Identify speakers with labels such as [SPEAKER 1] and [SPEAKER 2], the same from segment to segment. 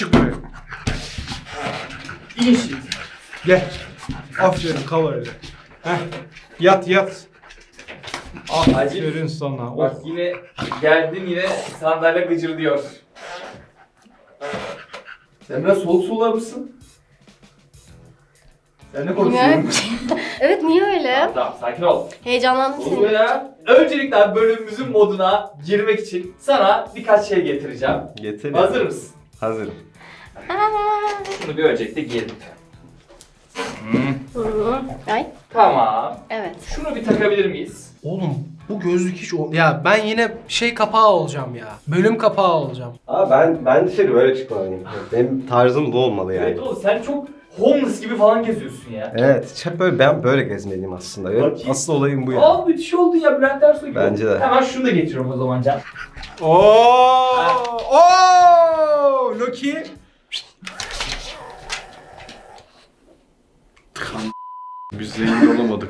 [SPEAKER 1] Çık buraya.
[SPEAKER 2] İyi şimdi.
[SPEAKER 1] Gel. Aferin kal öyle. Heh. Yat yat. Aferin sana.
[SPEAKER 2] Bak yine geldin yine sandalye gıcırdıyor. Sen biraz soğuk sular mısın? Sen ne konuşuyorsun?
[SPEAKER 3] Evet, niye öyle?
[SPEAKER 2] Tamam sakin ol.
[SPEAKER 3] Heyecanlandım
[SPEAKER 2] Olur
[SPEAKER 3] seni.
[SPEAKER 2] ya. Öncelikle abi bölümümüzün moduna girmek için sana birkaç şey getireceğim.
[SPEAKER 4] Getir.
[SPEAKER 2] Hazır mısın?
[SPEAKER 4] Hazırım.
[SPEAKER 2] Şunu bir öncelikle giyelim.
[SPEAKER 3] Ay,
[SPEAKER 2] Tamam.
[SPEAKER 3] evet.
[SPEAKER 2] Şunu bir takabilir miyiz?
[SPEAKER 1] Oğlum bu gözlük hiç ya ben yine şey kapağı olacağım ya. Bölüm kapağı olacağım.
[SPEAKER 4] Abi ben dışarı böyle çıkmalıyım. Benim tarzım bu olmalı yani.
[SPEAKER 2] Evet oğlum sen çok homeless gibi falan geziyorsun ya.
[SPEAKER 4] Evet, hep böyle ben böyle gezmeliyim aslında. Benim
[SPEAKER 2] Bakayım.
[SPEAKER 4] asıl olayım bu ya.
[SPEAKER 2] Aa müthiş oldun ya Bülent Ersoy gibi.
[SPEAKER 4] Bence de.
[SPEAKER 2] Hemen şunu da getiriyorum o zaman Can.
[SPEAKER 1] Oo! Loki.
[SPEAKER 5] Biz zengin olamadık.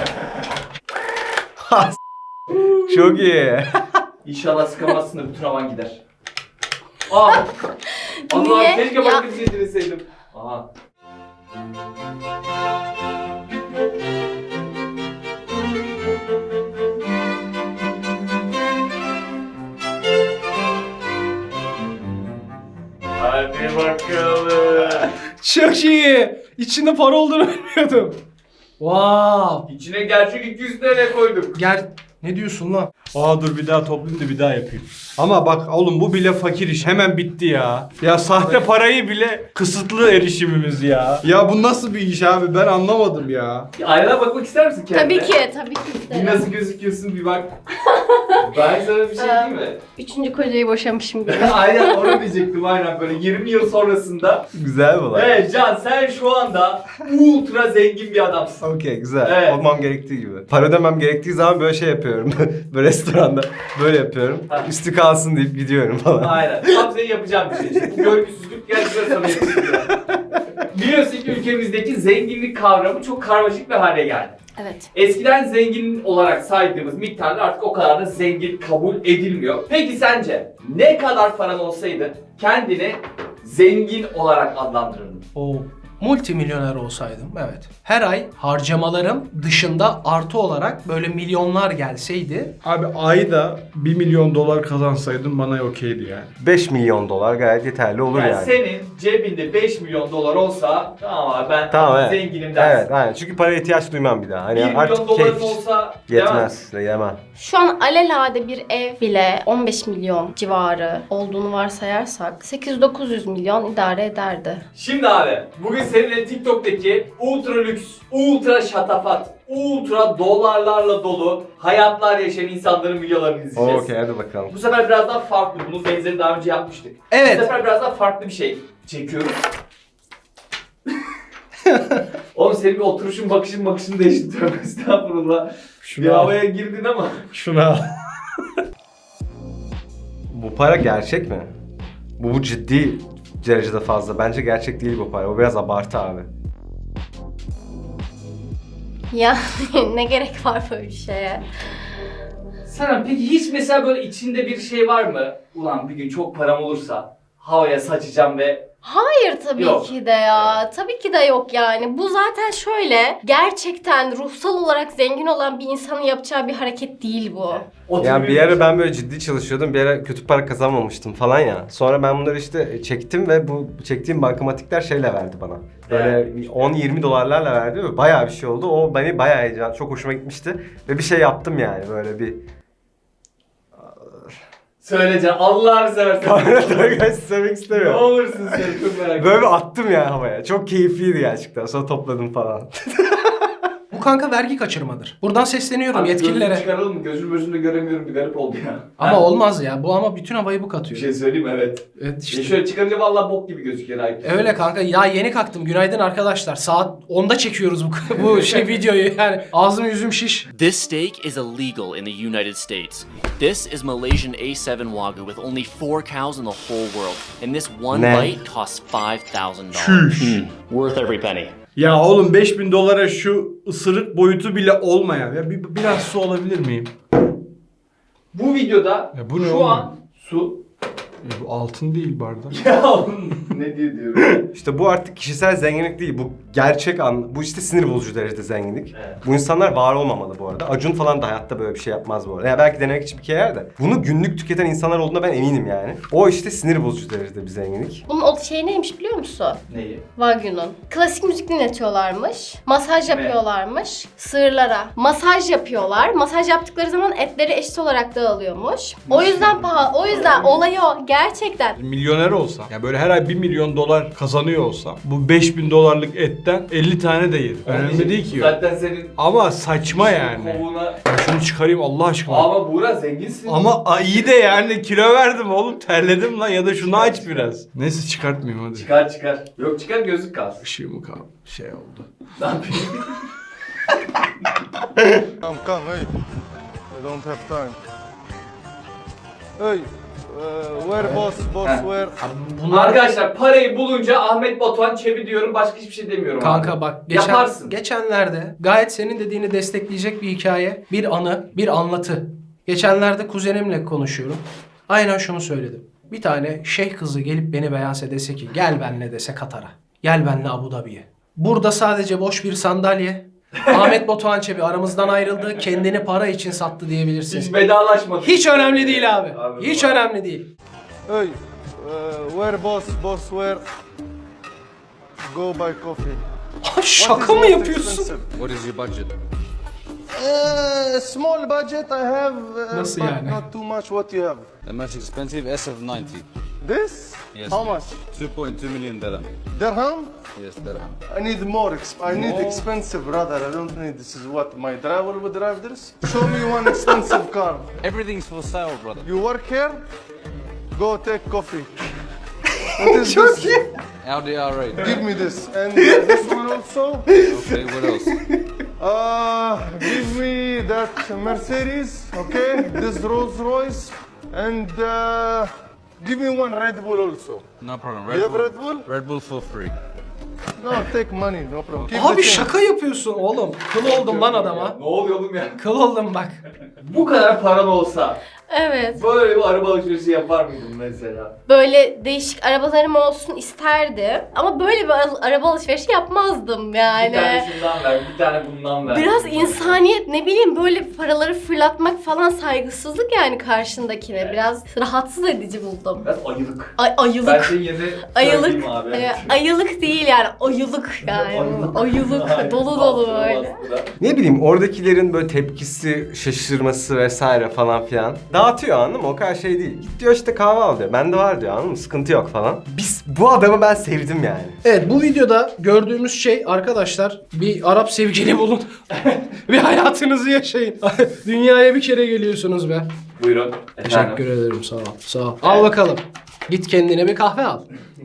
[SPEAKER 4] Çok iyi.
[SPEAKER 2] İnşallah sıkamazsın da bütün havan gider. Aa! Allah
[SPEAKER 3] Niye?
[SPEAKER 2] keşke
[SPEAKER 3] Ya-
[SPEAKER 2] başka bir şey dileseydim. Aha. Hadi bakalım.
[SPEAKER 1] Çok iyi. İçinde para olduğunu bilmiyordum. Wow.
[SPEAKER 2] İçine gerçek 200 TL koyduk.
[SPEAKER 1] Gel. Ne diyorsun lan?
[SPEAKER 5] Aa dur bir daha toplayayım da bir daha yapayım. Ama bak oğlum bu bile fakir iş. Hemen bitti ya. Ya sahte parayı bile kısıtlı erişimimiz ya. Ya bu nasıl bir iş abi? Ben anlamadım ya.
[SPEAKER 2] Aynaya bakmak ister misin kendine?
[SPEAKER 3] Tabii ki
[SPEAKER 2] Bir
[SPEAKER 3] isterim.
[SPEAKER 2] nasıl gözüküyorsun bir bak. Ben sana bir şey diyeyim mi?
[SPEAKER 3] Üçüncü kocayı boşamışım gibi.
[SPEAKER 2] Aynen onu diyecektim aynen böyle 20 yıl sonrasında.
[SPEAKER 4] Güzel bu lan.
[SPEAKER 2] Evet Can sen şu anda ultra zengin bir adamsın.
[SPEAKER 4] Okey güzel.
[SPEAKER 2] Evet.
[SPEAKER 4] Olmam gerektiği gibi. Para ödemem gerektiği zaman böyle şey yapıyorum. böyle restoranda böyle yapıyorum.
[SPEAKER 2] Ha.
[SPEAKER 4] Üstü kalsın deyip gidiyorum falan.
[SPEAKER 2] Aynen. Tam senin yapacağın bir şey. Bu görgüsüzlük gerçekten sana yetiştiriyor. Biliyorsun ki ülkemizdeki zenginlik kavramı çok karmaşık bir hale geldi.
[SPEAKER 3] Evet.
[SPEAKER 2] Eskiden zengin olarak saydığımız miktarlar artık o kadar da zengin kabul edilmiyor. Peki sence ne kadar paran olsaydı kendini zengin olarak adlandırırdın?
[SPEAKER 1] O multimilyoner olsaydım, evet. Her ay harcamalarım dışında artı olarak böyle milyonlar gelseydi.
[SPEAKER 5] Abi ayda 1 milyon dolar kazansaydın bana okeydi yani.
[SPEAKER 4] 5 milyon dolar gayet yeterli olur
[SPEAKER 2] Yani
[SPEAKER 4] yani.
[SPEAKER 2] senin cebinde 5 milyon dolar olsa tamam abi ben
[SPEAKER 4] Tamam evet.
[SPEAKER 2] zenginim dersin.
[SPEAKER 4] Evet aynen. Çünkü paraya ihtiyaç duymam bir daha. Hani
[SPEAKER 2] 1 milyon
[SPEAKER 4] artık
[SPEAKER 2] doların
[SPEAKER 4] keyif
[SPEAKER 2] olsa
[SPEAKER 4] yetmez. Yemem.
[SPEAKER 3] Şu an alelade bir ev bile 15 milyon civarı olduğunu varsayarsak 800-900 milyon idare ederdi.
[SPEAKER 2] Şimdi abi bugün seninle TikTok'taki ultra lüks, ultra şatafat, ultra dolarlarla dolu hayatlar yaşayan insanların videolarını izleyeceğiz.
[SPEAKER 4] Okey hadi bakalım.
[SPEAKER 2] Bu sefer biraz daha farklı. Bunun benzerini daha önce yapmıştık.
[SPEAKER 1] Evet.
[SPEAKER 2] Bu sefer biraz daha farklı bir şey çekiyoruz. Oğlum senin bir oturuşun bakışın değişti. Tövbe estağfurullah.
[SPEAKER 5] Şunu
[SPEAKER 2] Bir
[SPEAKER 5] al.
[SPEAKER 2] havaya girdin ama.
[SPEAKER 5] Şunu al.
[SPEAKER 4] Bu para gerçek mi? Bu ciddi derecede fazla. Bence gerçek değil bu para. Bu biraz abartı abi.
[SPEAKER 3] Ya ne gerek var böyle bir şeye?
[SPEAKER 2] Serhan peki hiç mesela böyle içinde bir şey var mı? Ulan bir gün çok param olursa havaya saçacağım ve
[SPEAKER 3] Hayır tabii
[SPEAKER 2] Yok.
[SPEAKER 3] ki de ya. Tabii ki de yok yani. Bu zaten şöyle gerçekten ruhsal olarak zengin olan bir insanın yapacağı bir hareket değil bu.
[SPEAKER 4] Yani bir ara ben böyle ciddi çalışıyordum. Bir ara kötü para kazanmamıştım falan ya. Sonra ben bunları işte çektim ve bu çektiğim bankamatikler şeyle verdi bana. Böyle 10-20 dolarlarla verdi ve bayağı bir şey oldu. O beni bayağı heyecan, çok hoşuma gitmişti. Ve bir şey yaptım yani böyle bir...
[SPEAKER 2] Söyle Can Allah'ını seversen.
[SPEAKER 4] Kamera söylemek
[SPEAKER 2] Ne
[SPEAKER 4] istemiyorum.
[SPEAKER 2] olursun sen çok merak ediyorum.
[SPEAKER 4] Böyle bir attım yani havaya. Çok keyifliydi gerçekten. Sonra topladım falan.
[SPEAKER 1] Bu kanka vergi kaçırmadır. Buradan sesleniyorum
[SPEAKER 2] Abi
[SPEAKER 1] yetkililere.
[SPEAKER 2] gözünü çıkaralım mı? Gözüm gözümde göremiyorum bir garip oldu ya.
[SPEAKER 1] Ama
[SPEAKER 2] Ha?
[SPEAKER 1] olmaz ya. Bu ama bütün havayı bu
[SPEAKER 2] Bir
[SPEAKER 1] katıyor.
[SPEAKER 2] şey söyleyeyim mi? Evet.
[SPEAKER 1] Evet işte.
[SPEAKER 2] Şöyle çıkarınca vallahi bok gibi gözüküyor.
[SPEAKER 1] Öyle kanka. Ya yeni kalktım. Günaydın arkadaşlar. Saat 10'da çekiyoruz bu şey videoyu. Yani ağzım yüzüm şiş.
[SPEAKER 6] This steak is illegal in the United States. This is Malaysian A7 Wagyu with only 4 cows in the whole world. And this one
[SPEAKER 4] Ne?
[SPEAKER 6] bite costs $5,000.
[SPEAKER 5] Çüş.
[SPEAKER 6] Worth every penny.
[SPEAKER 5] Ya oğlum 5000 dolara şu ısırık boyutu bile olmayan. Ya biraz su alabilir miyim?
[SPEAKER 2] Bu videoda
[SPEAKER 5] Ya bu ne
[SPEAKER 2] şu
[SPEAKER 5] oğlum?
[SPEAKER 2] an su
[SPEAKER 5] Bu altın değil bardak.
[SPEAKER 2] Ya ne diyorum.
[SPEAKER 4] İşte bu artık kişisel zenginlik değil. Bu gerçek bu işte sinir bozucu derecede zenginlik.
[SPEAKER 2] Evet.
[SPEAKER 4] Bu insanlar var olmamalı bu arada. Acun falan da hayatta böyle bir şey yapmaz bu arada. Ya belki denemek için bir kere yer de. Bunu günlük tüketen insanlar olduğuna ben eminim yani. O işte sinir bozucu derecede bir zenginlik.
[SPEAKER 3] Bunun o şey neymiş biliyor musun?
[SPEAKER 2] Neyi?
[SPEAKER 3] Wagyu'nun. Klasik müzik dinletiyorlarmış. Masaj yapıyorlarmış sığırlara. Masaj yapıyorlar. Masaj yaptıkları zaman etleri eşit olarak dağılıyormuş. O yüzden pahalı. O yüzden olayı o. Gerçekten.
[SPEAKER 5] Milyoner olsam, ya böyle her ay $1 milyon kazanıyor olsam, bu $5.000 etten 50 tane de yerim. Önemli değil ki.
[SPEAKER 2] Zaten senin
[SPEAKER 5] Ama saçma yani.
[SPEAKER 2] kovuğuna...
[SPEAKER 5] Şunu çıkarayım Allah aşkına.
[SPEAKER 2] Ama Buğra zenginsin.
[SPEAKER 5] Ama iyi de yani kilo verdim oğlum, terledim lan, ya da şunu aç biraz. Neyse çıkartmayayım hadi.
[SPEAKER 2] Çıkar. Yok çıkar, gözlük kalsın.
[SPEAKER 5] Işığımı kaldı. Şey oldu.
[SPEAKER 2] Ne yapayım?
[SPEAKER 7] Come, hey. I don't have time. Hey, where boss, where?
[SPEAKER 1] Bunlar
[SPEAKER 2] Arkadaşlar parayı bulunca Ahmet Batuhan Çebi diyorum, başka hiçbir şey demiyorum
[SPEAKER 1] kanka
[SPEAKER 2] abi.
[SPEAKER 1] bak
[SPEAKER 2] Yaparsın.
[SPEAKER 1] geçenlerde gayet senin dediğini destekleyecek bir hikaye, bir anı, bir anlatı. Geçenlerde kuzenimle konuşuyorum. Aynen şunu söyledim. Bir tane şeyh kızı gelip beni beğense dese ki gel benle dese Katar'a. Gel benle Abu Dhabi'ye. Burada sadece boş bir sandalye. Ahmet Batuhan Çebi aramızdan ayrıldı. Kendini para için sattı diyebilirsiniz.
[SPEAKER 2] Hiç vedalaşmadık.
[SPEAKER 1] Hiç önemli değil abi. Hiç önemli değil.
[SPEAKER 7] Hey, where boss, where? Go buy coffee.
[SPEAKER 1] Şaka mı yapıyorsun?
[SPEAKER 8] What is your budget?
[SPEAKER 7] Small budget I have,
[SPEAKER 1] Nasıl
[SPEAKER 7] but
[SPEAKER 1] yani?
[SPEAKER 7] not too much. What you have?
[SPEAKER 8] The most expensive SF90.
[SPEAKER 7] This?
[SPEAKER 8] Yes.
[SPEAKER 7] How much?
[SPEAKER 8] 2.2 million dirham.
[SPEAKER 7] Dirham?
[SPEAKER 8] Yes, dirham.
[SPEAKER 7] I need more. I need expensive, brother. I don't need. This is what my driver would drive this. Show me one expensive car.
[SPEAKER 8] Everything's for sale, brother.
[SPEAKER 7] You work here? Go take coffee. What is this?
[SPEAKER 8] Audi R8.
[SPEAKER 7] Give me this and this one also.
[SPEAKER 8] Okay, what else?
[SPEAKER 7] Give me that Mercedes, okay? This Rolls Royce, and give me one Red Bull also.
[SPEAKER 8] No problem.
[SPEAKER 7] You have Red Bull?
[SPEAKER 8] Red Bull for free.
[SPEAKER 7] No, take money, no problem. Keep
[SPEAKER 1] Abi
[SPEAKER 7] the change.
[SPEAKER 1] şaka yapıyorsun oğlum. Kıl oldum lan adama.
[SPEAKER 2] Ne oluyor oğlum ya?
[SPEAKER 1] Kıl oldum bak.
[SPEAKER 2] Bu kadar paran olsa
[SPEAKER 3] Evet.
[SPEAKER 2] böyle bir araba alışverişi yapar mıydın mesela?
[SPEAKER 3] Böyle değişik arabalarım olsun isterdim. Ama böyle bir araba alışverişi yapmazdım yani.
[SPEAKER 2] Bir tane şundan ver, bir tane bundan ver.
[SPEAKER 3] Biraz insaniyet, ne bileyim, böyle paraları fırlatmak falan saygısızlık yani karşındakine. Biraz rahatsız edici buldum.
[SPEAKER 2] Biraz ayılık.
[SPEAKER 3] Ayılık.
[SPEAKER 2] Ben senin yerine
[SPEAKER 3] Ayılık.
[SPEAKER 2] söyleyeyim abi.
[SPEAKER 3] Ayılık değil yani, ayılık yani. Ayılık, dolu dolu böyle.
[SPEAKER 4] Ne bileyim oradakilerin böyle tepkisi, şaşırması vesaire falan filan. Dağıtıyor anladın mı? O kadar şey değil. Git diyor işte kahve al diyor. Bende var diyor anladın mı? Sıkıntı yok falan. Bu adamı ben sevdim yani.
[SPEAKER 1] Evet, bu videoda gördüğümüz şey arkadaşlar, bir Arap sevgili bulun. Bir hayatınızı yaşayın. Dünyaya bir kere geliyorsunuz be.
[SPEAKER 2] Buyurun.
[SPEAKER 1] Teşekkür ederim, sağ ol. Sağ ol. Al bakalım. Git kendine bir kahve al.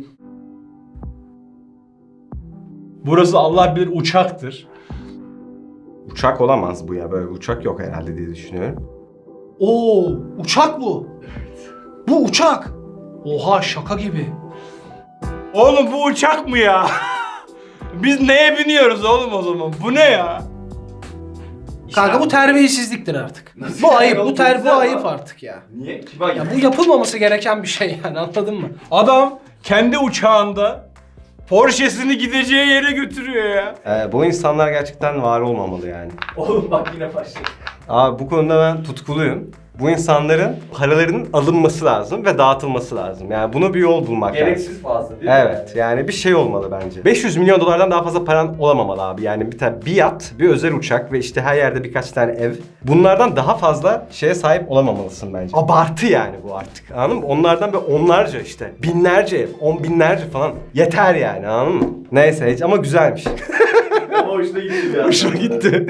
[SPEAKER 5] Burası Allah bilir uçaktır.
[SPEAKER 4] Uçak olamaz bu ya. Böyle bir uçak yok herhalde diye düşünüyorum.
[SPEAKER 1] Oo, uçak bu. Bu uçak. Oha, şaka gibi.
[SPEAKER 5] Oğlum bu uçak mı ya? Biz neye biniyoruz oğlum o zaman? Bu ne ya?
[SPEAKER 1] Kanka bu terbiyesizliktir artık.
[SPEAKER 2] Nasıl
[SPEAKER 1] Bu
[SPEAKER 2] yani
[SPEAKER 1] ayıp,
[SPEAKER 2] oğlum,
[SPEAKER 1] bu
[SPEAKER 2] güzel
[SPEAKER 1] ayıp
[SPEAKER 2] lan.
[SPEAKER 1] artık ya.
[SPEAKER 2] Niye? Kime ayıp?
[SPEAKER 1] Ya bu yapılmaması gereken bir şey yani, anladın mı?
[SPEAKER 5] Adam kendi uçağında Porsche'sini gideceği yere götürüyor ya.
[SPEAKER 4] Bu insanlar gerçekten var olmamalı yani.
[SPEAKER 2] Oğlum bak yine başladı.
[SPEAKER 4] Abi bu konuda ben tutkuluyum. Bu insanların paralarının alınması lazım ve dağıtılması lazım. Yani bunu bir yol bulmak lazım.
[SPEAKER 2] Gereksiz fazla değil mi?
[SPEAKER 4] Evet yani bir şey olmalı bence. 500 milyon dolardan daha fazla paran olamamalı abi. Yani bir yat, bir özel uçak ve işte her yerde birkaç tane ev. Bunlardan daha fazla şeye sahip olamamalısın bence. Abartı yani bu artık. Anladın mı? Onlardan böyle onlarca işte. Binlerce ev, 10 binlerce falan. Yeter yani anladın mı? Neyse ama güzelmiş.
[SPEAKER 2] Ama hoşuna gitti ya.
[SPEAKER 4] Hoşuma gitti.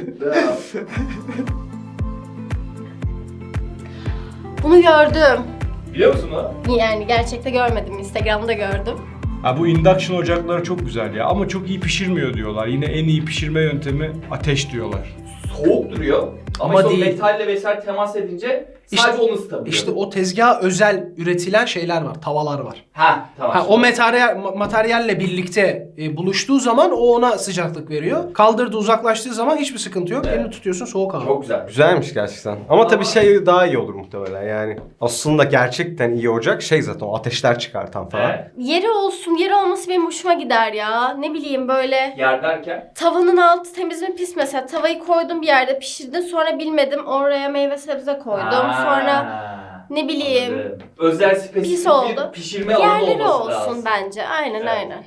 [SPEAKER 3] Bunu gördüm.
[SPEAKER 2] Biliyor musun o?
[SPEAKER 3] Yani gerçekte görmedim, Instagram'da gördüm.
[SPEAKER 5] Ha bu induction ocakları çok güzel ya ama çok iyi pişirmiyor diyorlar. Yine en iyi pişirme yöntemi ateş diyorlar.
[SPEAKER 2] Soğuk duruyor. Ama
[SPEAKER 1] Ama
[SPEAKER 2] işte o
[SPEAKER 1] değil.
[SPEAKER 2] metalle vesaire temas edince Sadece onu ısıtabiliyor.
[SPEAKER 1] İşte o tezgaha özel üretilen şeyler var, tavalar var.
[SPEAKER 2] Ha tamam.
[SPEAKER 1] Ha, o materyalle birlikte buluştuğu zaman o ona sıcaklık veriyor. Kaldırdığı uzaklaştığı zaman hiçbir sıkıntı yok.
[SPEAKER 2] Evet.
[SPEAKER 1] Elini tutuyorsun soğuk hava.
[SPEAKER 2] Çok güzel.
[SPEAKER 4] Güzelmiş gerçekten. Ama tabii şey daha iyi olur muhtemelen yani. Aslında gerçekten iyi olacak şey zaten o ateşler çıkartan falan.
[SPEAKER 2] Evet.
[SPEAKER 3] Yeri olsun, yeri olması benim hoşuma gider ya. Ne bileyim böyle
[SPEAKER 2] Yer derken?
[SPEAKER 3] tavanın altı temiz mi pis mesela. Tavayı koydum bir yerde pişirdim sonra bilmedim oraya meyve sebze koydum. Sonra ne bileyim
[SPEAKER 2] Anladım. Özel spesifik
[SPEAKER 3] pis oldu.
[SPEAKER 2] bir pişirme alanı
[SPEAKER 3] yerleri
[SPEAKER 2] olması
[SPEAKER 3] olsun
[SPEAKER 2] lazım.
[SPEAKER 3] bence. Aynen
[SPEAKER 2] Evet.
[SPEAKER 3] aynen.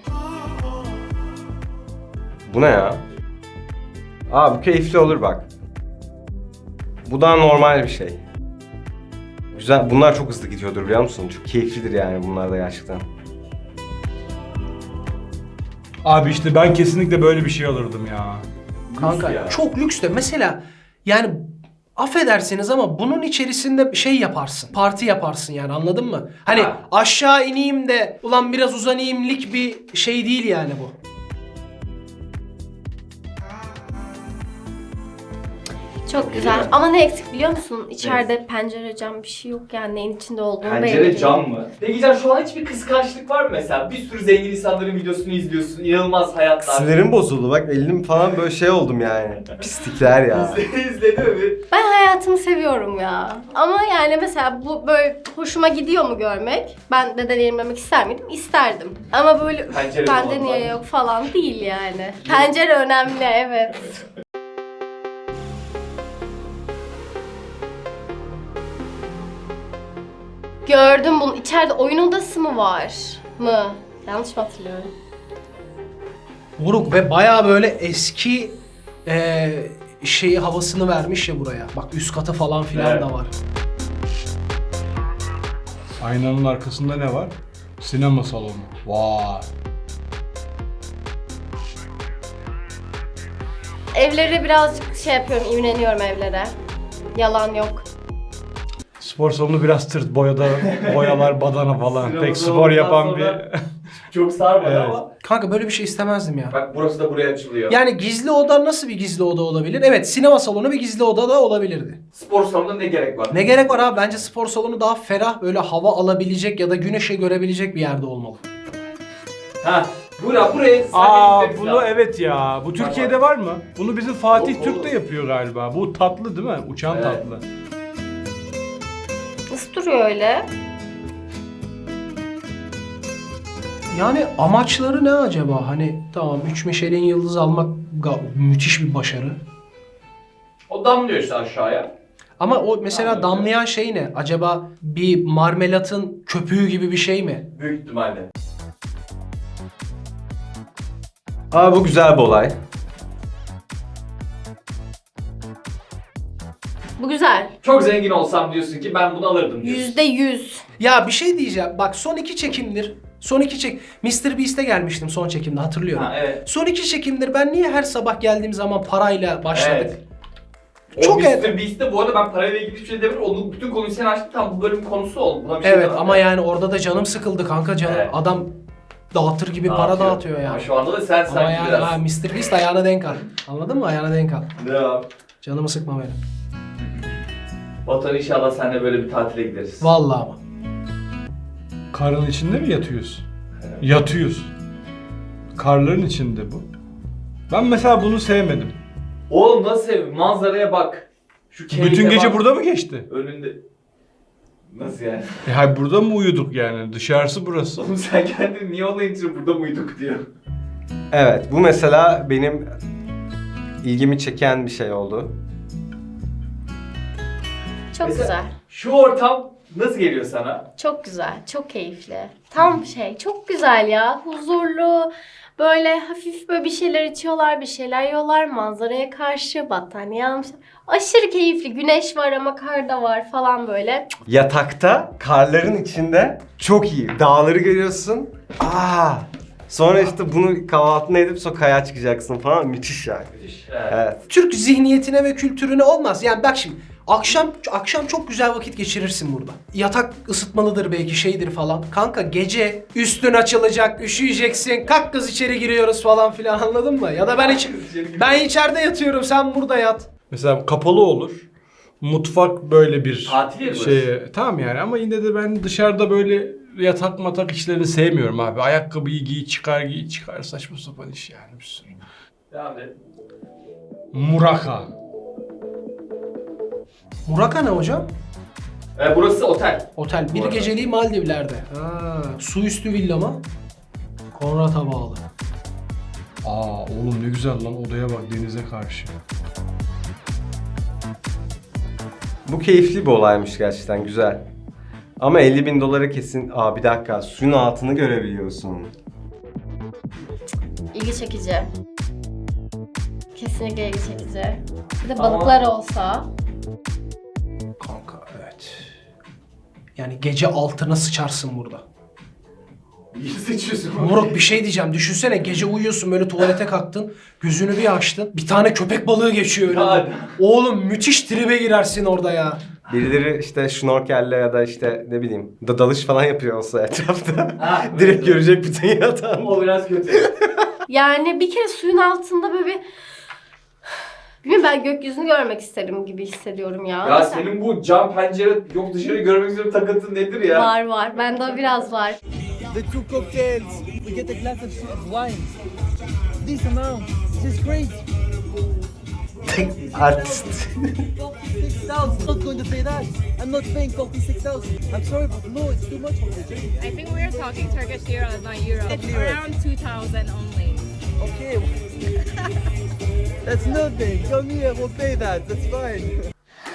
[SPEAKER 4] Bu ne ya? Aa bu keyifli olur bak. Bu daha normal bir şey. Güzel. Bunlar çok hızlı gidiyordur biliyor musun? Çok keyiflidir yani bunlar da gerçekten.
[SPEAKER 5] Abi işte ben kesinlikle böyle bir şey alırdım ya.
[SPEAKER 1] Kanka
[SPEAKER 2] ya.
[SPEAKER 1] çok lüks de mesela yani affedersiniz ama bunun içerisinde şey yaparsın. Parti yaparsın yani anladın mı? Hani
[SPEAKER 2] Ha.
[SPEAKER 1] aşağı ineyim de ulan biraz uzanayımlik bir şey değil yani bu.
[SPEAKER 3] Çok güzel. Ama ne eksik biliyor musun? İçeride pencere cam bir şey yok yani neyin içinde olduğunu belli
[SPEAKER 2] Pencere
[SPEAKER 3] değil.
[SPEAKER 2] cam mı? Peki Can şu an hiçbir kıskançlık var mı mesela? Bir sürü zengin insanların videosunu izliyorsun. İnanılmaz hayatlar.
[SPEAKER 4] Sinirim bozuldu bak elim falan böyle şey oldum yani. Pislikler ya.
[SPEAKER 2] İzledi mi?
[SPEAKER 3] Ben hayatımı seviyorum ya. Ama yani mesela bu böyle hoşuma gidiyor mu görmek? Ben de deneyimlemek ister miydim? İsterdim. Ama böyle
[SPEAKER 2] Pencere
[SPEAKER 3] bende
[SPEAKER 2] olan
[SPEAKER 3] niye
[SPEAKER 2] var.
[SPEAKER 3] yok falan değil yani. Pencere önemli evet. Gördüm bunu. İçeride oyun odası mı var? Mı? Yanlış mı hatırlıyorum?
[SPEAKER 1] Moruk ve bayağı böyle eski şeyi havasını vermiş ya buraya. Bak üst katı falan filan
[SPEAKER 2] Evet.
[SPEAKER 1] da var.
[SPEAKER 5] Aynanın arkasında ne var? Sinema salonu. Vay.
[SPEAKER 3] Evlere birazcık şey yapıyorum, imreniyorum evlere. Yalan yok.
[SPEAKER 5] Spor salonu biraz tırt. Boyalar, badana falan.
[SPEAKER 2] Sinema
[SPEAKER 5] Pek spor
[SPEAKER 2] salonundan
[SPEAKER 5] yapan
[SPEAKER 2] sonra-
[SPEAKER 5] bir...
[SPEAKER 2] Çok sarmadı
[SPEAKER 5] Evet.
[SPEAKER 2] ama.
[SPEAKER 1] Kanka böyle bir şey istemezdim ya.
[SPEAKER 2] Bak burası da buraya açılıyor.
[SPEAKER 1] Yani gizli oda nasıl bir gizli oda olabilir? Evet sinema salonu bir gizli oda da olabilirdi.
[SPEAKER 2] Spor salonunda ne gerek var?
[SPEAKER 1] Ne gerek var abi? Bence spor salonu daha ferah böyle hava alabilecek ya da güneşi görebilecek bir yerde olmalı.
[SPEAKER 2] Ha. Buraya
[SPEAKER 5] Aa
[SPEAKER 2] sadece
[SPEAKER 5] bunu evet ya. Bu Türkiye'de var mı? Bunu bizim Fatih
[SPEAKER 2] Yok,
[SPEAKER 5] Türk de
[SPEAKER 2] olur.
[SPEAKER 5] yapıyor galiba. Bu tatlı değil mi? Uçan
[SPEAKER 2] Evet.
[SPEAKER 5] tatlı.
[SPEAKER 3] Nasıl duruyor öyle?
[SPEAKER 1] Yani amaçları ne acaba? Hani tamam 3 Michelin yıldız almak müthiş bir başarı.
[SPEAKER 2] O damlıyor işte aşağıya.
[SPEAKER 1] Ama o mesela
[SPEAKER 2] Anladım.
[SPEAKER 1] damlayan şey ne? Acaba bir marmelatın köpüğü gibi bir şey mi?
[SPEAKER 2] Büyük ihtimalle.
[SPEAKER 4] Aa bu güzel bir olay.
[SPEAKER 3] Bu güzel.
[SPEAKER 2] Çok zengin olsam diyorsun ki ben bunu alırdım diyorsun.
[SPEAKER 3] %100.
[SPEAKER 1] Ya bir şey diyeceğim. Bak son 2 çekimdir. Son 2 çek... Mr. Beast'e gelmiştim son çekimde hatırlıyorum.
[SPEAKER 2] Ha evet.
[SPEAKER 1] Son 2 çekimdir ben niye her sabah geldiğim zaman parayla başladık?
[SPEAKER 2] Evet.
[SPEAKER 1] Çok
[SPEAKER 2] Çok
[SPEAKER 1] evet.
[SPEAKER 2] Mr. Beast'te bu arada ben parayla ilgili hiçbir şey demiyorum. Onun bütün konuyu sen açtın tam bu bölümün konusu oldu. Buna bir şey
[SPEAKER 1] Evet
[SPEAKER 2] demem
[SPEAKER 1] ama
[SPEAKER 2] de.
[SPEAKER 1] yani orada da canım sıkıldı kanka canım.
[SPEAKER 2] Evet.
[SPEAKER 1] Adam dağıtır gibi para dağıtıyor yani.
[SPEAKER 2] Ama şu anda da sen
[SPEAKER 1] Ama
[SPEAKER 2] sanki
[SPEAKER 1] yani
[SPEAKER 2] biraz.
[SPEAKER 1] ha, Mr. Beast ayağına denk al. Anladın mı? Ayağına denk al.
[SPEAKER 2] Ne yap?
[SPEAKER 1] Canımı sıkma benim.
[SPEAKER 2] Batuhan inşallah seninle böyle bir tatile gideriz.
[SPEAKER 1] Vallahi ama.
[SPEAKER 5] Karın içinde mi yatıyoruz? Yatıyoruz. Karların içinde bu. Ben mesela bunu sevmedim.
[SPEAKER 2] Oğlum nasıl ev? Manzaraya bak. Şu keyfe
[SPEAKER 5] Bütün gece
[SPEAKER 2] bak.
[SPEAKER 5] burada mı geçti?
[SPEAKER 2] Önünde. Nasıl yani?
[SPEAKER 5] Hayır burada mı uyuduk yani? Dışarısı burası.
[SPEAKER 2] Oğlum sen kendin niye ona için burada mıyduk diyor.
[SPEAKER 4] Evet bu mesela benim ilgimi çeken bir şey oldu.
[SPEAKER 3] Çok
[SPEAKER 2] Mesela-
[SPEAKER 3] güzel.
[SPEAKER 2] Şu ortam nasıl geliyor sana?
[SPEAKER 3] Çok güzel. Çok keyifli. Tam şey. Çok güzel ya. Huzurlu. Böyle hafif böyle bir şeyler içiyorlar, bir şeyler yiyorlar. Manzaraya karşı battaniye almışlar. Aşırı keyifli. Güneş var ama kar da var falan böyle.
[SPEAKER 4] Yatakta karların içinde çok iyi. Dağları görüyorsun. Sonra işte bunu kahvaltına edip sonra kayağa çıkacaksın falan. Müthiş yani.
[SPEAKER 2] Müthiş.
[SPEAKER 4] Evet.
[SPEAKER 1] Türk zihniyetine ve kültürüne olmaz. Yani bak şimdi akşam çok güzel vakit geçirirsin burada. Yatak ısıtmalıdır belki şeydir falan. Kanka gece üstün açılacak, üşüyeceksin. Kalk kız içeri giriyoruz falan filan anladın mı? Ya da ben içeride yatıyorum sen burada yat.
[SPEAKER 5] Mesela kapalı olur. Mutfak böyle bir
[SPEAKER 2] Tatil yeri
[SPEAKER 5] şey. Tamam yani ama yine de ben dışarıda böyle yatak matak işlerini sevmiyorum abi. Ayakkabıyı giy çıkar saçma sapan iş yani bir sürü.
[SPEAKER 2] Devam et.
[SPEAKER 5] Muraka.
[SPEAKER 1] Muraka ne hocam?
[SPEAKER 2] Burası otel.
[SPEAKER 1] Otel.
[SPEAKER 2] Bu
[SPEAKER 1] Bir
[SPEAKER 2] arada.
[SPEAKER 1] geceliği Maldivler'de. Ha, su üstü villa mı? Konrad'a bağlı.
[SPEAKER 5] Aa oğlum ne güzel lan, odaya bak denize karşı.
[SPEAKER 4] Bu keyifli bir olaymış gerçekten, güzel. Ama 50.000 dolara kesin... Aa bir dakika, suyun altını görebiliyorsun.
[SPEAKER 3] İlgi çekici. Kesinlikle ilgi çekici. Bir de
[SPEAKER 2] Ama-
[SPEAKER 3] balıklar olsa.
[SPEAKER 1] Kanka evet. Yani gece altına sıçarsın burada.
[SPEAKER 2] İyi seçiyorsun.
[SPEAKER 1] Moruk bir şey diyeceğim. Düşünsene gece uyuyorsun böyle tuvalete kalktın. Gözünü bir açtın. Bir tane köpek balığı geçiyor önünden.
[SPEAKER 2] Hadi.
[SPEAKER 1] Oğlum müthiş tribe girersin orada ya.
[SPEAKER 4] Birileri işte şnorkelle ya da işte ne bileyim dalış falan yapıyor olsa etrafta.
[SPEAKER 2] Ha,
[SPEAKER 4] Direkt
[SPEAKER 2] evet.
[SPEAKER 4] görecek bütün yatağın.
[SPEAKER 2] O biraz kötü.
[SPEAKER 3] Yani bir kere suyun altında böyle bir... Bilmiyorum, ben gökyüzünü görmek isterim gibi hissediyorum ya.
[SPEAKER 2] Ya senin bu cam pencere yok dışarı görmek üzere takıntın nedir ya?
[SPEAKER 3] Var. Bende o biraz var.
[SPEAKER 9] The two cocktails. We get a glass of wine. This amount. This is crazy.
[SPEAKER 4] Artist.
[SPEAKER 9] 46,000. Not going to pay that. I'm not paying 46,000. I'm sorry, but no, it's too much for me.
[SPEAKER 10] I think we are talking Turkish lira, not euro. It's around 2,000 only.
[SPEAKER 9] Okay. That's nothing. Come here, we'll pay that. That's fine.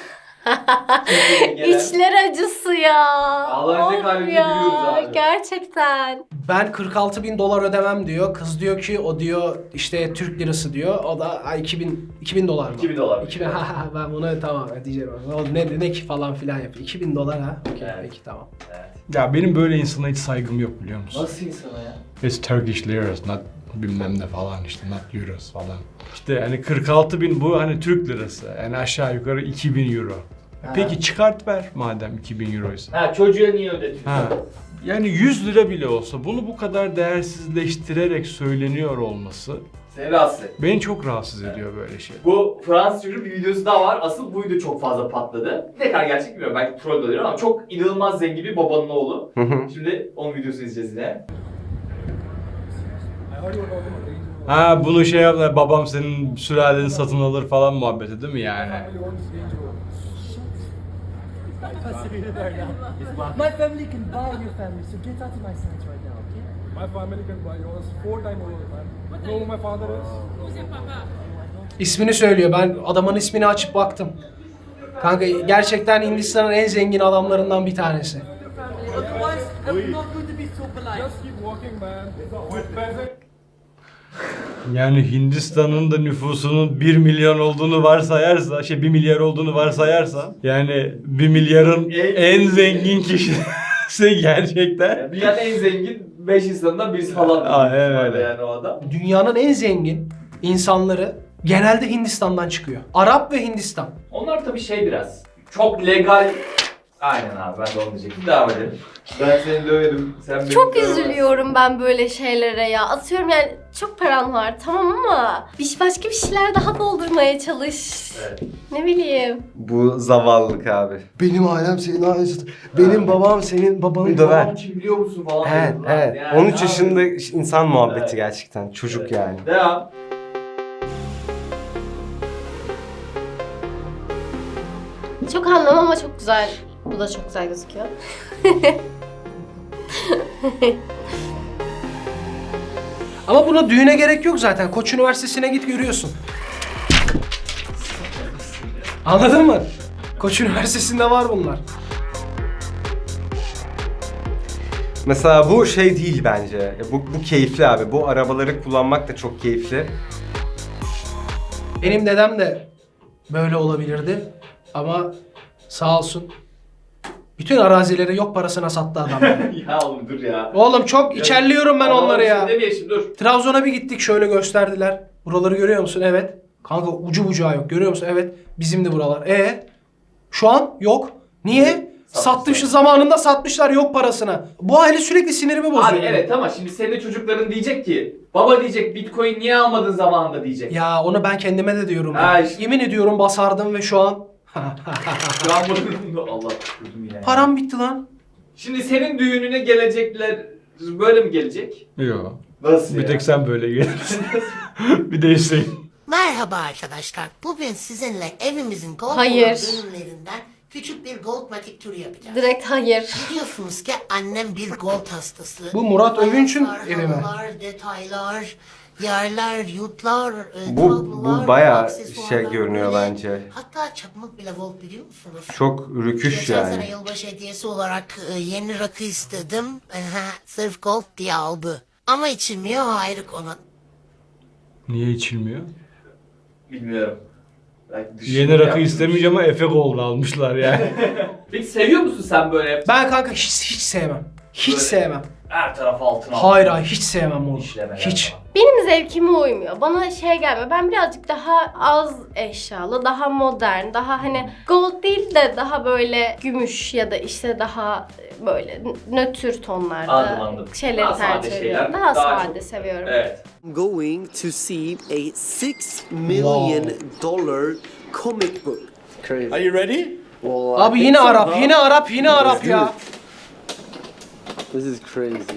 [SPEAKER 3] İçler acısı ya.
[SPEAKER 2] Ağlanacak
[SPEAKER 3] Of
[SPEAKER 2] halimize
[SPEAKER 3] ya,
[SPEAKER 2] gülüyoruz abi.
[SPEAKER 3] gerçekten.
[SPEAKER 1] Ben 46.000 dolar ödemem diyor. Kız diyor ki o diyor işte Türk lirası diyor. O da ay 2000 dolar mı?
[SPEAKER 2] 2000 dolar.
[SPEAKER 1] 2000 ha ben bunu tamam diyeceğim. O ne ki falan filan yapıyor. 2000 dolar ha. Okey
[SPEAKER 2] Evet.
[SPEAKER 1] peki tamam.
[SPEAKER 5] Ya benim böyle insana hiç saygım yok biliyor musun?
[SPEAKER 2] Nasıl insana ya?
[SPEAKER 5] It's Turkish liras, not bilmem ne falan işte, not euros falan. İşte hani 46.000 bu hani Türk lirası. Yani aşağı yukarı 2.000 euro. Peki çıkart ver madem 2.000 euroysa.
[SPEAKER 2] Ha çocuğa niye ödetiyorsun?
[SPEAKER 5] Ha. Yani 100 lira bile olsa bunu bu kadar değersizleştirerek söyleniyor olması
[SPEAKER 2] Seni rahatsız et.
[SPEAKER 5] beni çok rahatsız ediyor böyle şey.
[SPEAKER 2] Bu Fransız çocuğun bir videosu daha var. Asıl bu video çok fazla patladı. Ne kadar gerçek bilmiyorum. Belki troll de olabilir ama çok inanılmaz zengin bir babanın oğlu. Şimdi onun videosunu izleyeceğiz yine.
[SPEAKER 5] Ha bunu şey yaptılar, babam senin sülaleni satın alır falan muhabbeti değil mi yani?
[SPEAKER 9] My family can buy your family, so get out of my sight right now, okay?
[SPEAKER 7] My family can buy yours 4 times over, man. You know who my father is?
[SPEAKER 10] Who's your papa?
[SPEAKER 1] İsmini söylüyor. Ben adamın ismini açıp baktım. Kanka gerçekten Hindistan'ın en zengin adamlarından bir tanesi.
[SPEAKER 9] Otherwise, I'm not going to be so polite.
[SPEAKER 7] Just keep walking, man. With peasant.
[SPEAKER 5] Yani Hindistan'ın da nüfusunun 1 milyon olduğunu varsayarsa, 1 milyar olduğunu varsayarsa, yani 1 milyarın en zengin kişisi gerçekten.
[SPEAKER 2] Yani dünyanın en zengin 5 insanından birisi falan.
[SPEAKER 5] Aynen öyle.
[SPEAKER 2] Yani o adam.
[SPEAKER 1] Dünyanın en zengin insanları genelde Hindistan'dan çıkıyor. Arap ve Hindistan.
[SPEAKER 2] Onlar tabii şey biraz. Çok legal. Aynen abi ben de onu diyecektim. Devam edelim. Ben seni döverim. Sen beni
[SPEAKER 3] Çok
[SPEAKER 2] dövemezsin.
[SPEAKER 3] üzülüyorum ben böyle şeylere ya. Atıyorum yani çok paran var tamam ama başka bir şeyler daha doldurmaya çalış.
[SPEAKER 2] Evet.
[SPEAKER 3] Ne bileyim.
[SPEAKER 4] Bu zavallılık abi. Benim ailem senin ailesin. Benim babam senin babanı
[SPEAKER 2] Babam
[SPEAKER 4] döver.
[SPEAKER 2] kim biliyor musun falan.
[SPEAKER 4] Evet,
[SPEAKER 2] diyorlar.
[SPEAKER 4] evet.
[SPEAKER 2] Yani
[SPEAKER 4] 13
[SPEAKER 2] abi.
[SPEAKER 4] yaşında insan muhabbeti
[SPEAKER 2] Evet.
[SPEAKER 4] gerçekten. Çocuk
[SPEAKER 2] Evet.
[SPEAKER 4] yani.
[SPEAKER 2] Devam.
[SPEAKER 3] Çok anlamam ama çok güzel. Bu da çok güzel gözüküyor.
[SPEAKER 1] Ama buna düğüne gerek yok zaten. Koç Üniversitesi'ne git görüyorsun. Anladın mı? Koç Üniversitesi'nde var bunlar.
[SPEAKER 4] Mesela bu şey değil bence. Bu keyifli abi. Bu arabaları kullanmak da çok keyifli.
[SPEAKER 1] Benim dedem de böyle olabilirdi. Ama sağ olsun bütün arazileri yok parasına sattı adam.
[SPEAKER 2] Ya oğlum dur ya.
[SPEAKER 1] Oğlum çok içerliyorum ben onları ya.
[SPEAKER 2] Demeyelim dur.
[SPEAKER 1] Trabzon'a bir gittik şöyle gösterdiler. Buraları görüyor musun? Evet. Kanka ucu bucağı yok. Görüyor musun? Evet. Bizim de buralar. Şu an yok. Niye? Satmışlar zamanında satmışlar yok parasına. Bu aile sürekli sinirimi bozuyor.
[SPEAKER 2] Abi evet ama şimdi senin de çocukların diyecek ki baba diyecek Bitcoin niye almadın zamanında diyecek.
[SPEAKER 1] Ya onu ben kendime de diyorum.
[SPEAKER 2] Ha, işte.
[SPEAKER 1] Yemin ediyorum basardım ve şu an
[SPEAKER 2] Şu an bunu Allah kurdum yine.
[SPEAKER 1] Param bitti lan.
[SPEAKER 2] Şimdi senin düğününe gelecekler böyle mi gelecek?
[SPEAKER 5] Yok.
[SPEAKER 2] Nasıl
[SPEAKER 5] Bir
[SPEAKER 2] ya?
[SPEAKER 5] tek sen böyle gelirsin. Bir de Hüseyin.
[SPEAKER 11] Merhaba arkadaşlar. Bugün sizinle evimizin gold
[SPEAKER 3] Hayır.
[SPEAKER 11] bölümlerinden küçük bir gold matik turu yapacağız.
[SPEAKER 3] Direkt hayır.
[SPEAKER 11] Biliyorsunuz ki annem bir gold hastası.
[SPEAKER 1] Bu Murat Övünç'ün
[SPEAKER 11] Ayaklar,
[SPEAKER 1] evi mi?
[SPEAKER 11] halılar, detaylar, yerler, yurtlar,
[SPEAKER 4] Bu bayağı şey görünüyor bence.
[SPEAKER 11] Hatta çakmak bile gold biliyor musunuz?
[SPEAKER 4] Çok rüküş
[SPEAKER 11] Geçen sene
[SPEAKER 4] yani.
[SPEAKER 11] yılbaşı hediyesi olarak yeni rakı istedim. Sırf gold diye aldı. Ama içilmiyor ayrı konu.
[SPEAKER 5] Niye içilmiyor?
[SPEAKER 2] Bilmiyorum. Belki düşündüm
[SPEAKER 5] Yeni rakı
[SPEAKER 2] yaptım.
[SPEAKER 5] istemeyeceğim ama Efe Gold almışlar yani.
[SPEAKER 2] Peki seviyor musun sen böyle
[SPEAKER 1] Ben kanka hiç sevmem. Hiç
[SPEAKER 2] Böyle
[SPEAKER 1] sevmem.
[SPEAKER 2] her tarafı altına
[SPEAKER 1] Hayır hiç sevmem oğlum.
[SPEAKER 2] İşlemeler
[SPEAKER 1] Hiç.
[SPEAKER 2] falan.
[SPEAKER 3] Benim zevkime uymuyor. Bana şey gelmiyor. Ben birazcık daha az eşyalı, daha modern, daha hani gold değil de daha böyle gümüş ya da işte daha böyle nötr tonlarda
[SPEAKER 2] Anladım.
[SPEAKER 3] şeyleri
[SPEAKER 2] Daha sade
[SPEAKER 3] tercih
[SPEAKER 2] şeyler,
[SPEAKER 3] ediyorum. Daha
[SPEAKER 2] daha
[SPEAKER 3] sade
[SPEAKER 2] çok-
[SPEAKER 3] seviyorum.
[SPEAKER 2] Evet.
[SPEAKER 9] I'm going to see a $6 million comic book.
[SPEAKER 8] Crazy.
[SPEAKER 9] Are you ready?
[SPEAKER 8] Well,
[SPEAKER 1] Abi yine Arap ya.
[SPEAKER 8] This is crazy.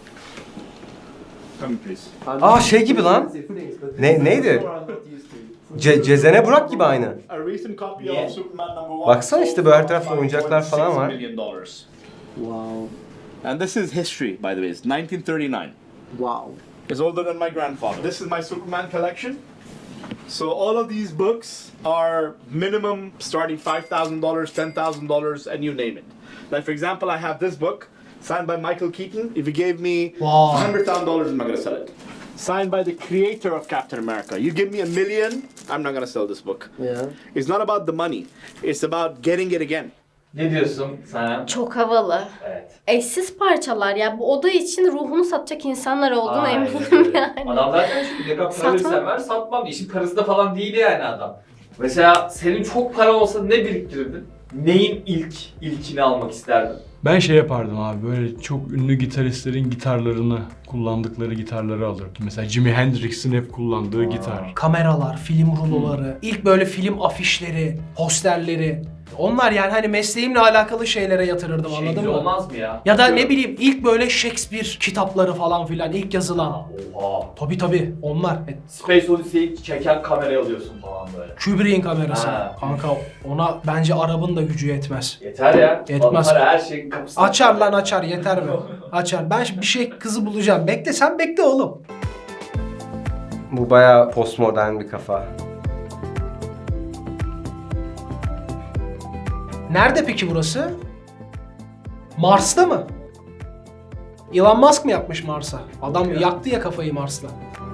[SPEAKER 9] Come please.
[SPEAKER 4] Aa şey gibi lan. Neydi? Cezene Burak gibi aynı.
[SPEAKER 9] A recent copy
[SPEAKER 2] Yeah.
[SPEAKER 9] of Superman #1.
[SPEAKER 4] Baksana işte böyle her tarafta oyuncaklar falan var.
[SPEAKER 9] $5.6 million.
[SPEAKER 8] Wow.
[SPEAKER 9] And this is history, by the way. It's 1939.
[SPEAKER 8] Wow.
[SPEAKER 9] It's older than my grandfather. This is my Superman collection. So all of these books are minimum starting $5,000, $10,000, and you name it. Like for example, I have this book signed by Michael Keaton. If you gave me
[SPEAKER 1] Wow.
[SPEAKER 9] $100,000, I'm not gonna sell it. Signed by the creator of Captain America. You give me $1 million, I'm not gonna sell this book.
[SPEAKER 8] Yeah.
[SPEAKER 9] It's not about the money. It's about getting it again.
[SPEAKER 2] Ne diyorsun sen?
[SPEAKER 3] Çok havalı.
[SPEAKER 2] Evet.
[SPEAKER 3] Eşsiz parçalar ya. Bu oda için ruhunu satacak insanlar olduğunu
[SPEAKER 2] Aynen
[SPEAKER 3] eminim
[SPEAKER 2] öyle.
[SPEAKER 3] yani.
[SPEAKER 2] Adam zaten şimdi ne kadar para
[SPEAKER 3] Satmam.
[SPEAKER 2] verirsen ver satmam. İşin parası da falan değil yani adam. Mesela senin çok para olsa ne biriktirirdin? Neyin ilkini almak isterdin?
[SPEAKER 5] Ben şey yapardım abi, böyle çok ünlü gitaristlerin gitarlarını, kullandıkları gitarları alırdım. Mesela Jimi Hendrix'in hep kullandığı gitar.
[SPEAKER 1] Kameralar, film ruloları, ilk böyle film afişleri, posterleri. Onlar yani hani mesleğimle alakalı şeylere yatırırdım anladın
[SPEAKER 2] Şeyci
[SPEAKER 1] mı?
[SPEAKER 2] olmaz mı ya?
[SPEAKER 1] Ya da ne
[SPEAKER 2] Diyorum.
[SPEAKER 1] bileyim ilk böyle Shakespeare kitapları falan filan ilk yazılan.
[SPEAKER 2] Oha.
[SPEAKER 1] Tabii onlar.
[SPEAKER 2] Space Odyssey'i çeken kamerayı alıyorsun falan böyle.
[SPEAKER 1] Kubrick'in kamerası.
[SPEAKER 2] Ha.
[SPEAKER 1] Kanka ona bence Arap'ın da gücü yetmez.
[SPEAKER 2] Yeter ya.
[SPEAKER 1] Yetmez.
[SPEAKER 2] Para her şeyin kapısında.
[SPEAKER 1] Açar lan açar yeter mi? Açar. Ben bir şey kızı bulacağım. Bekle sen bekle oğlum.
[SPEAKER 4] Bu bayağı postmodern bir kafa.
[SPEAKER 1] Nerede peki burası? Mars'ta mı? Elon Musk mı yapmış Mars'a? Adam yaktı ya kafayı Mars'la.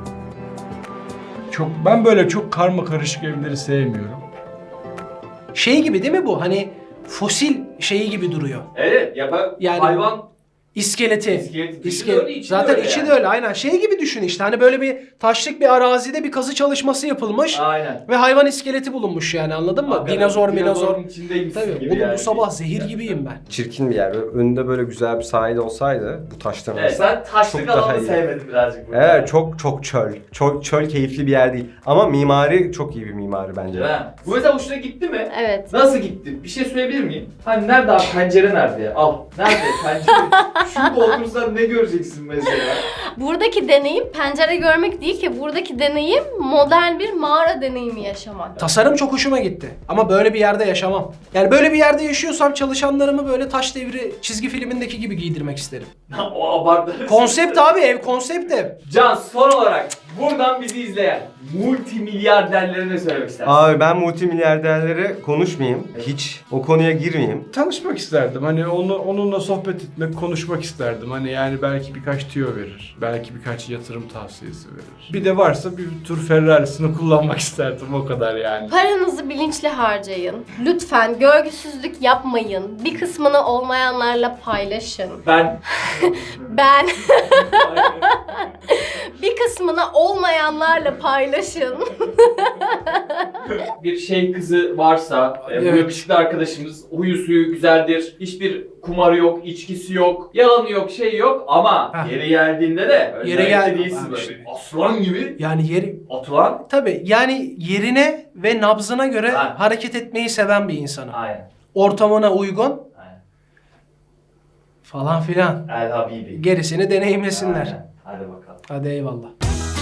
[SPEAKER 5] Ben böyle çok karma karışık evleri sevmiyorum.
[SPEAKER 1] Şey gibi değil mi bu? Hani fosil şeyi gibi duruyor.
[SPEAKER 2] Evet ya ben
[SPEAKER 1] Yani-
[SPEAKER 2] hayvan
[SPEAKER 1] İskeleti.
[SPEAKER 2] dışı da öyle, içi de
[SPEAKER 1] Zaten
[SPEAKER 2] öyle
[SPEAKER 1] içi
[SPEAKER 2] yani.
[SPEAKER 1] de öyle aynen. Şey gibi düşün işte hani böyle bir taşlık bir arazide bir kazı çalışması yapılmış.
[SPEAKER 2] aynen.
[SPEAKER 1] Ve hayvan iskeleti bulunmuş yani anladın mı?
[SPEAKER 2] Hakikaten
[SPEAKER 1] Dinozor.
[SPEAKER 2] dinozorun içindeymişsin
[SPEAKER 1] Tabii
[SPEAKER 2] gibi
[SPEAKER 1] oğlum
[SPEAKER 2] yani.
[SPEAKER 1] bu sabah zehir gibiyim ben.
[SPEAKER 4] Çirkin bir yer. Böyle önünde böyle güzel bir sahil olsaydı bu taşların
[SPEAKER 2] Evet sen taşlık
[SPEAKER 4] Çok daha
[SPEAKER 2] alanı
[SPEAKER 4] iyi.
[SPEAKER 2] sevmedin birazcık burada.
[SPEAKER 4] Evet çok çöl. Çöl keyifli bir yer değil. Ama mimari çok iyi bir mimari bence.
[SPEAKER 2] Değil mi? Bu mesela hoşuna gitti mi?
[SPEAKER 3] Evet.
[SPEAKER 2] Nasıl gitti? Bir şey söyleyebilir miyim? Hani nerede abi pencere nerede ya? Al. Nerede pencere? Şurada otursan ne göreceksin mesela?
[SPEAKER 3] Buradaki deneyim pencere görmek değil ki. Buradaki deneyim modern bir mağara deneyimi yaşamak.
[SPEAKER 1] Tasarım çok hoşuma gitti. Ama böyle bir yerde yaşamam. Yani böyle bir yerde yaşıyorsam çalışanlarımı böyle Taş Devri çizgi filmindeki gibi giydirmek isterim.
[SPEAKER 2] O abartı.
[SPEAKER 1] Konsept abi ev, konsept ev.
[SPEAKER 2] Can son olarak buradan bizi izleyen multimilyarderlere ne söylemek istersin?
[SPEAKER 4] Abi ben multimilyarderlere konuşmayayım. Hiç o konuya girmeyeyim.
[SPEAKER 5] Tanışmak isterdim. Hani onunla sohbet etmek, konuşmak isterdim. Hani yani belki birkaç tüyo verir. Belki birkaç yatırım tavsiyesi verir. Bir de varsa bir tur Ferrari'sini kullanmak isterdim o kadar yani.
[SPEAKER 3] Paranızı bilinçli harcayın. Lütfen görgüsüzlük yapmayın. Bir kısmını olmayanlarla paylaşın.
[SPEAKER 2] Ben
[SPEAKER 3] Ben bir kısmını olmayanlarla paylaşın.
[SPEAKER 2] Bir şey kızı varsa, bu
[SPEAKER 1] Evet.
[SPEAKER 2] yakışıklı arkadaşımız huyu suyu güzeldir, hiçbir kumarı yok, içkisi yok, yalanı yok, şey yok ama
[SPEAKER 1] Heh.
[SPEAKER 2] yeri geldiğinde de
[SPEAKER 1] Yeri
[SPEAKER 2] özellikle
[SPEAKER 1] geldi-
[SPEAKER 2] değilsin
[SPEAKER 1] Abi
[SPEAKER 2] böyle
[SPEAKER 1] işte.
[SPEAKER 2] bir aslan gibi
[SPEAKER 1] Yani yeri
[SPEAKER 2] atılan.
[SPEAKER 1] tabii yani yerine ve nabzına göre
[SPEAKER 2] Ha.
[SPEAKER 1] hareket etmeyi seven bir insanım.
[SPEAKER 2] Aynen.
[SPEAKER 1] Ortamına uygun
[SPEAKER 2] Aynen.
[SPEAKER 1] falan filan.
[SPEAKER 2] El Habibi.
[SPEAKER 1] Gerisini deneyimlesinler.
[SPEAKER 2] Aynen. Hadi bakalım.
[SPEAKER 1] Hadi eyvallah.